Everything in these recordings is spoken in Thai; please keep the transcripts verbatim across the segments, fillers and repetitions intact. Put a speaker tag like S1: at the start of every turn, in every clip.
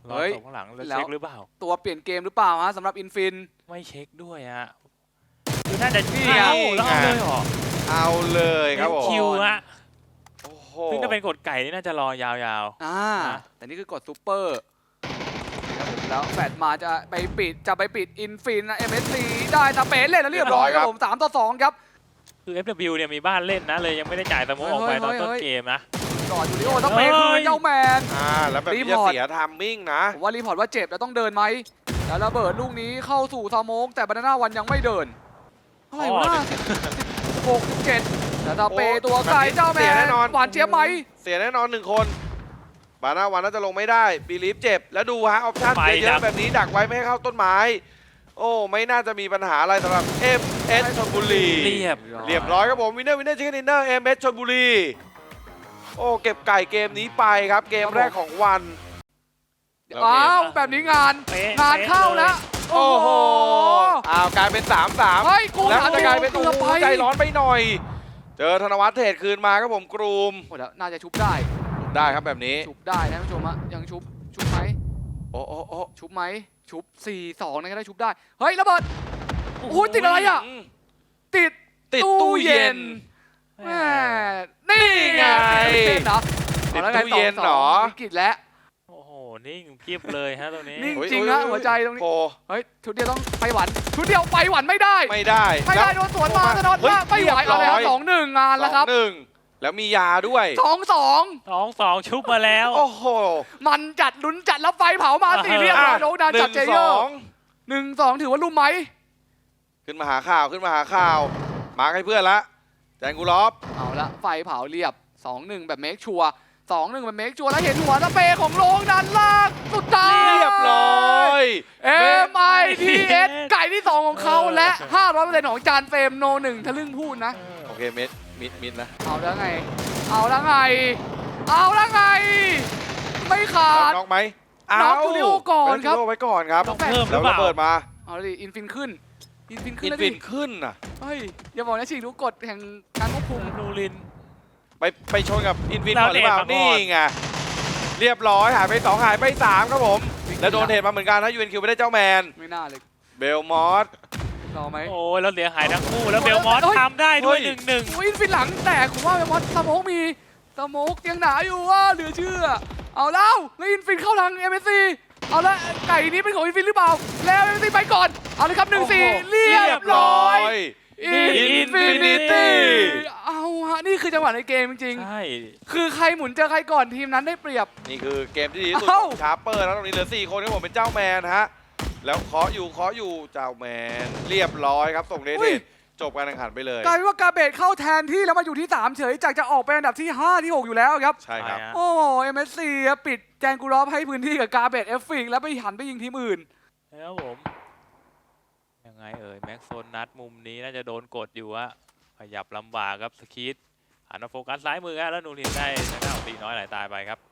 S1: รอส่งข้างหลังแล้วเช็คหรือเปล่า
S2: ตัวเปลี่ยนเกมหรือเปล่าฮะสำหรับอินฟิน
S1: ไม่เช็คด้วยฮะคือน่าจะ
S3: นี่
S1: เอาแล้วเอาเลยเหรอ
S3: เอาเลยครับผม
S1: คิวฮะ
S3: โอ้โห
S1: ซึ่งถ้าเป็นกดไก่นี่น่าจะรอยาวๆ
S2: อ่าแต่นี่คือกดซูเปอร์ครับผมแล้วแฟดมาจะไปปิดจะไปปิดอินฟินนะ เอ็ม เอส ซี ได้ตาเป๋เล่นแล้วเรียบร้อยครับผมสามต่อสองครับ
S1: คือ เอฟ ดับเบิลยู เนี่ยมีบ้านเล่นนะเลยยังไม่ได้จ่ายสโมกออกไปตอนต้นเกมนะ
S2: ก่อนยูริโอตาเป๋คือเจ้าแมน
S3: อ่าแล้วแบบนี้จะเสียไทามมิ่งนะ
S2: ผมว่ารีพอร์ตว่าเจ็บแล้วต้องเดินไหมแล้วระเบิดลูกนี้เข้าสู่สโมกแต่บานาน่าวันยังไม่เดินเท่าไหร่วะสิบหกสิบเจ็ดแล้วตาเป๋ตัวไกลเจ้าแมนหวานเจี๊ยบไหม
S3: เสียแน่นอนหนึ่งคนบาน่าวันน่าจะลงไม่ได้บีลีฟเจ็บแล้วดูฮะออปชั่นเยอะๆแบบนี้ดักไว้ไม่ให้เข้าต้นไม้โอ้ไม่น่าจะมีปัญหาอะไรสำหรับ เอ็ม เอส ชลบุรี
S1: เรียบ
S3: เรียบร้อยครับผมวินเนอร์วินเนอร์ชิคเก้นดินเนอร์ เอ็ม เอส ชลบุรีโอ้เก็บไก่เกมนี้ไปครับเกมแรกของวัน
S2: อ้าวแบบนี้งานงานเข้าแล้ว
S3: โอ้โหอ้าวกลายเป็น สามสาม
S2: เฮ้ยกู
S3: แล้วจะกลายเป็น
S2: เกือบไป
S3: ใจร้อนไปหน่อยเจอธนวัฒน์เทรดคืนมาครับผมกรูม
S2: โอ้แล้วน่าจะชุบได้
S3: ได้ครับแบบนี้
S2: ชุบได้นะผู้ชมอะยังชุบชุบไหม
S3: โอ้โอ้โอ้
S2: ชุบไหมชุบ สี่สอง นั่นก็ได้ชุบได้เฮ้ยระเบิดโอ้โหติดอะไรอ่ะติด
S3: ติดตู้เย็น
S2: แม่นี่ไงติดตู้
S3: เย็นเหรอ
S2: วิกฤตแล้ว
S1: โอ้โหนิ่งเพียบเลยฮะตรงนี้
S2: นิ่งจริงนะหัวใจตรงนี้เฮ้ยชุดเดียวต้องไปหวันชุดเดียวไปหวันไม่ได้
S3: ไม่ได้
S2: ไม่ได้โดนสวนมาธนวัฒน์ว่าไม่ไหวอะไรครับสองหนึ่งงานแล้วครับ
S3: หนึ่งแล้วมียาด้วย
S2: สองสอง
S1: สองสองชุบมาแล้ว
S3: โอ้โห
S2: มันจัดลุ้นจัดแล้วไฟเผามาสี่เรียบร้อยโดนดันจัดเจเยอร์หนึ่งสองถือว่าลุ่มไหม
S3: ขึ้นมาหาข่าวขึ้นมาหาข่าวมาให้เพื่อนละแจงกูลอฟ
S2: เอาละไฟเผาเรียบ สองหนึ่ง แบบเมคชัวร์ สองหนึ่ง แบบเมคชัวร์แล้วเห็นหัวสเปรย์ของโรงด้านล่างสุดท้าย
S3: เรียบร้อย
S2: เอ็ม ไอ ที เอส ไก่ที่สองของเขาและ ห้าร้อยเปอร์เซ็นต์ ของจานเฟรมโนหนึ่งทะลึ่งพูดนะ
S3: โอเคมิดมิดมิดนะ
S2: เอาแล้วไงเอาแล้วไงเอาแล้วไงไม่ขาด
S3: น็อกไหม
S2: น็อกจูดิโอก่อนครับ
S3: ไว้ก่อนครับ
S1: เพิ่ม
S3: แล้วระเบิดมา
S2: เอาดิอินฟินขึ้นอินฟินขึ้น
S3: อินฟินขึ้นอ่ะ
S2: เฮ้ยอย่าบอกนะฉีกรู้กฎแห่งการควบคุม
S1: นูริน
S3: ไปไปชนกับอินฟินก่อนหรือเปล่านี่ไงเรียบร้อยหายไปสองหายไปสามครับผมแล้วโดนเห็นมาเหมือนกันนะยูเอ็นคิวไม่ได้เจ้าแมน
S2: ไม่น่าเลย
S3: เบลมอส
S2: รอไหม
S1: โอ้ยแล้วเสียหายทั้งคู่แล้วเบลมอสทำได้ด้วยหนึ่งหนึ่ง
S2: อินฟินหลังแต่ผมว่าเบลมอสสโมกมีสโมกยังหนาอยู่ว่าเหลือเชื่อเอาแล้วแล้วอินฟินเข้าทาง เอ็ม เอส ซี เอาละไก่นี้เป็นของอินฟินหรือเปล่าแล้ว เอ็ม เอส ซี ไปก่อนเอาเลยครับหนึ่งสี่เรียบร้อยอินฟินิตี้เอาฮะนี่คือจังหวะในเกมจริง
S1: ๆใช่
S2: คือใครหมุนเจอใครก่อนทีมนั้นได้เปรียบ
S3: นี่คือเกมที่ดีที่สุดของชาร์เปอร์แล้วตรงนี้เหลือสี่คนที่ผมเป็นเจ้าแมนฮะแล้วเคาะอยู่เคาะอยู่เจ้าแมนเรียบร้อยครับส่งเดทจบการแข่งขันไปเลย
S2: กลายเป็นว่ากาเบตเข้าแทนที่แล้วมาอยู่ที่สามเฉยจากจะออกไปอันดับที่ห้าที่หกอยู่แล้วครับ
S3: ใช่ครับ
S2: โอ้เอ็มเอสซีปิดแจงกูรอฟให้พื้นที่กับกาเบตเอฟฟิกแล้วไปหันไปยิงทีมอื่น
S1: แล้วผมยังไงเอ่ยแม็กโซนนัดมุมนี้น่าจะโดนกดอยู่อะขยับลำบากครับสกีดหันมาโฟกัสซ้ายมือแล้วนูรินได้ชนะตีน้อยไหลตายไปครับ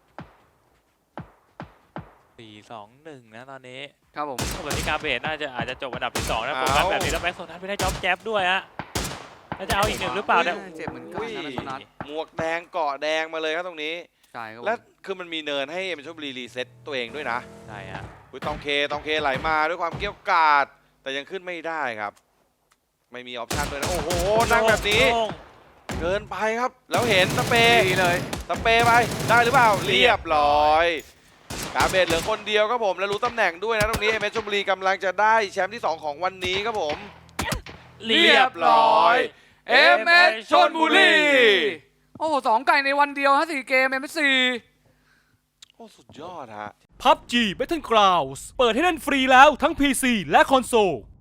S1: สี่สองหนึ่งนะตอนนี้
S2: ครับผม
S1: แบบนี้กาเบตน่าจะอาจจะจบอันดับที่สองนะโฟกัสแบบนี้แล้วแม็กโซนนัดไม่ได้จ็อบแจ๊บด้วยฮะแล้วจะเอาอีกหนึ่งหรือเปล่าเนี่ย
S2: เจ็บเหมือนกันนะ
S3: หมวกแดงเกาะแดงมาเลยครับตรงนี้
S2: ใช่ครับ
S3: และคือมันมีเนินให้เอ็มชลบุรีรีเซ็ตตัวเองด้วยนะ
S1: ใช่ฮะ
S3: อุ้ยตองเคตองเคไหลมาด้วยความเกี้ยวกาดแต่ยังขึ้นไม่ได้ครับไม่มีออปชั่นด้วยนะโอ้โหนั่งแบบนี้เกินไปครับแล้วเห็นสเปย์
S2: เลย
S3: สเปย์ไปได้หรือเปล่าเรียบร้อยกาเบตเหลือคนเดียวครับผมและรู้ตำแหน่งด้วยนะตรงนี้เอ็มเอสชลบุรีกำลังจะได้แชมป์ที่สองของวันนี้ครับผม
S2: เรียบร้อยเอ็มเอสชลบุรีโอ้โหสองไก่ในวันเดียวฮะสี่เกมเอ็มเอสซี
S3: โอ้สุดยอดฮะ
S4: พับจี Battlegrounds เปิดให้เล่นฟรีแล้วทั้ง พี ซี และคอนโซล